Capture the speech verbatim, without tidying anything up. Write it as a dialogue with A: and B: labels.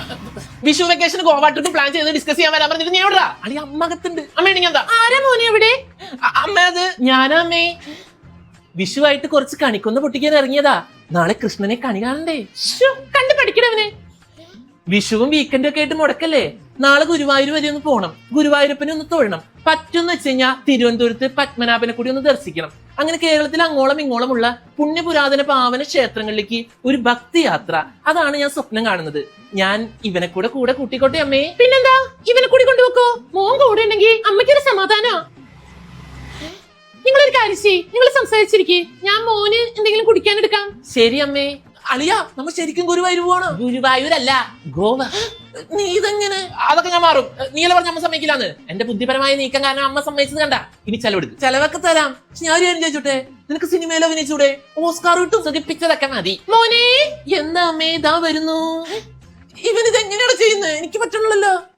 A: Vishu vacation Goa trip plan ചെയ്ത് discuss ചെയ്യാൻ വരാൻ പറഞ്ഞിട്ട് ഞാൻ എവിടാ? അളി അമ്മകത്തുണ്ട്. അമ്മയാണെങ്കിൽ എന്താ? ആരാ മോനെ എവിടെ? അമ്മ അത് ഞാനാ അമ്മേ. വിഷുവായിട്ട് കുറച്ച് കണിക്കൊന്ന് പൊട്ടിക്കാൻ ഇറങ്ങിയതാ. നാളെ കൃഷ്ണനെ കണി കാണണ്ടേ? കണ്ടു പഠിക്കണവനെ. വിഷുവും വീക്കെൻഡും ഒക്കെ ആയിട്ട് മുടക്കല്ലേ? നാളെ ഗുരുവായൂർ വരെ ഒന്ന് പോകണം. ഗുരുവായൂരപ്പനെ ഒന്ന് തൊഴണം. പറ്റുമെന്ന് വെച്ച് കഴിഞ്ഞാൽ തിരുവനന്തപുരത്ത് പത്മനാഭനെ കൂടി ഒന്ന് ദർശിക്കണം. അങ്ങനെ കേരളത്തിൽ അങ്ങോളം ഇങ്ങോളമുള്ള പുണ്യപുരാതന പാവന ക്ഷേത്രങ്ങളിലേക്ക് ഒരു ഭക്തി യാത്ര. അതാണ് ഞാൻ സ്വപ്നം കാണുന്നത്. ഞാൻ ഇവനെ കൂടെ കൂടെ കൂട്ടിക്കോട്ടെ അമ്മേ. പിന്നെന്താ, ഇവനെ കൂടി കൊണ്ടുപോക്കോ. മോൻ കൂടെ ഉണ്ടെങ്കിൽ അമ്മയ്ക്കൊരു സമാധാനാ. നിങ്ങളൊരു കാര്യം ചെയ്യ്, നിങ്ങൾ സംസാരിച്ചിരിക്കേ. ഞാൻ മോന് എന്തെങ്കിലും കുടിക്കാൻ എടുക്കാം. ശരി അമ്മേ. അളിയ, നമ്മൾ ശരിക്കും ഗുരുവായൂർ പോകണം. ഗുരുവായൂരല്ല, ഗോവ. നീ ഇതെങ്ങനെ? അതൊക്കെ ഞാൻ മാറും. നീല പറഞ്ഞ അമ്മ സമ്മതിക്കില്ലാന്ന്. എന്റെ ബുദ്ധിപരമായ നീക്കം കാരണം അമ്മ സമ്മതിച്ചത് കണ്ട. ഇനി ചെലവെടുക്കും. ചെലവൊക്കെ തരാം. ഞാൻ ഒരു കാര്യം ചോദിച്ചോട്ടെ, നിനക്ക് സിനിമയിൽ അഭിനയിച്ചൂടെ? ഓസ്കാർ കിട്ടും. സുഖിപ്പിച്ചതൊക്കെ മതി. മോനെ എന്താ അമ്മേ, ഇതാ വരുന്നു. ഇവനിത് എങ്ങനെയാണ് ചെയ്യുന്നത്? എനിക്ക് പറ്റണല്ലോ.